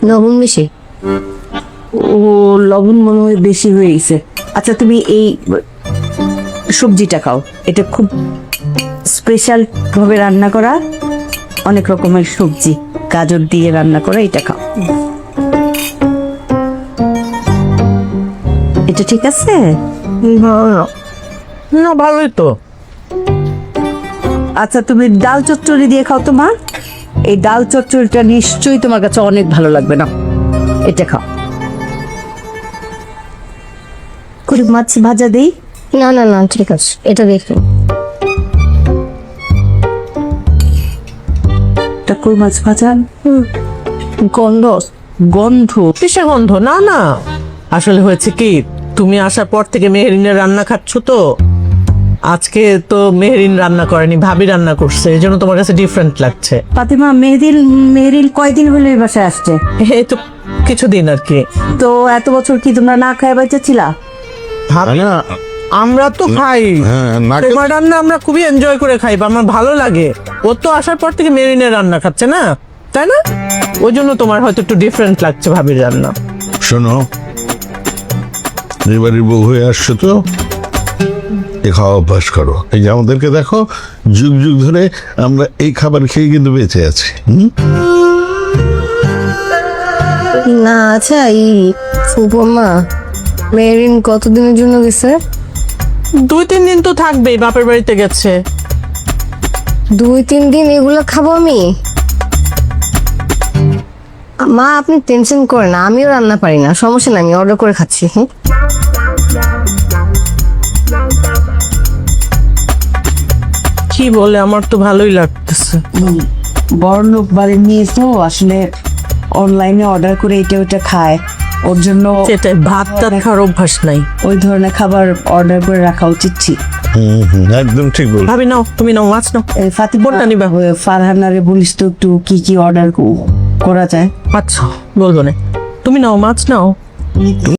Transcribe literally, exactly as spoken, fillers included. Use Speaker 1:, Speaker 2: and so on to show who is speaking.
Speaker 1: লবণ বেশি।
Speaker 2: ও লবণ মনে হয় বেশি হয়ে গেছে। আচ্ছা তুমি এই সবজিটা খাও, এটা খুব স্পেশাল ভাবে রান্না করা, অনেক রকমের সবজি গাজর দিয়ে রান্না করা, এটা খাও। এটা ঠিক আছে?
Speaker 3: না ভালোই তো।
Speaker 2: আচ্ছা তুমি ডাল চচ্চড়ি দিয়ে খাও তো মা, এই ডাল চচ্চড়িটা নিশ্চয়ই তোমার কাছে অনেক ভালো লাগবে। না এটা খাও। করে মাছ ভাজা দেই?
Speaker 1: না না না ঠিক আছে, এটা দেখুন।
Speaker 2: এটা কই মাছ ভাজা।
Speaker 3: গন্ধ
Speaker 2: গন্ধ?
Speaker 3: কিসের গন্ধ? না না, আসলে হয়েছে কি, তুমি আসার পর থেকে মেহেরিনের রান্না খাচ্ছ তো, আজকে তো মেহেরিন রান্না করেনি, ভাবি রান্না করছে, এই জন্য তোমার কাছে ডিফারেন্ট লাগছে।
Speaker 2: ফাতিমা মেহেদিল মেহেরিল কয়দিন হলো এই বাসায় আসছে?
Speaker 3: এই তো কিছুদিন আর কি।
Speaker 2: তো এত বছর কি তোমরা না খায় বাচ্চা ছিলা?
Speaker 3: ভাবি, আমরা তো খাই,
Speaker 4: হ্যাঁ, না খেলে-
Speaker 3: তোমার রান্না আমরা খুবই এনজয় করে খাই, বা আমার ভালো লাগে। ও তো আসার পর থেকে মেরিনের রান্না খাচ্ছে না, তাই না? ওই জন্য তোমার হয়তো একটু ডিফারেন্ট লাগছে ভাবির রান্না।
Speaker 4: শোনো, এবারের বউ হয়ে আসছো তো, এ খাওয়া অভ্যাস করো। এই যে আমাদেরকে দেখো, যুগ যুগ ধরে আমরা এই খাবার খেয়ে কিন্তু বেঁচে আছি। হুম?
Speaker 1: না আচ্ছা, এই উপমা মেরিন কতদিনের জন্য গেছে?
Speaker 3: দুই তিন দিন তো থাকবেই, বাপের বাড়িতে গেছে।
Speaker 1: দুই তিন দিন এগুলো খাবো আমি? মা আপনি টেনশন করেন না, আমিও রান্না পারি না, সমস্যা নাই, আমি অর্ডার করে খাচ্ছি। হ্যাঁ
Speaker 3: কি বলে, আমার তো ভালোই লাগতেছে।
Speaker 2: বড় লোক বাড়ির নিয়ে তো আসলে অনলাইনে অর্ডার করে এটা ওটা খায়, ওর জন্য
Speaker 3: সেটাই, ভাত টাত খাওয়ার অভ্যাস নাই।
Speaker 2: ওই ধরনের খাবার অর্ডার করে রাখা উচিত ছিল।
Speaker 4: হুম, হুম, একদম ঠিক বল।
Speaker 3: ভাবি নাও, তুমি নাও, মাছ নাও।
Speaker 2: এই ফাতিমা
Speaker 3: কোনটা নিবা?
Speaker 2: ওই ফারহানারে বলিস তো একটু কি কি অর্ডার করা যায়।
Speaker 3: আচ্ছা বলবো না, তুমি নাও, মাছ নাও।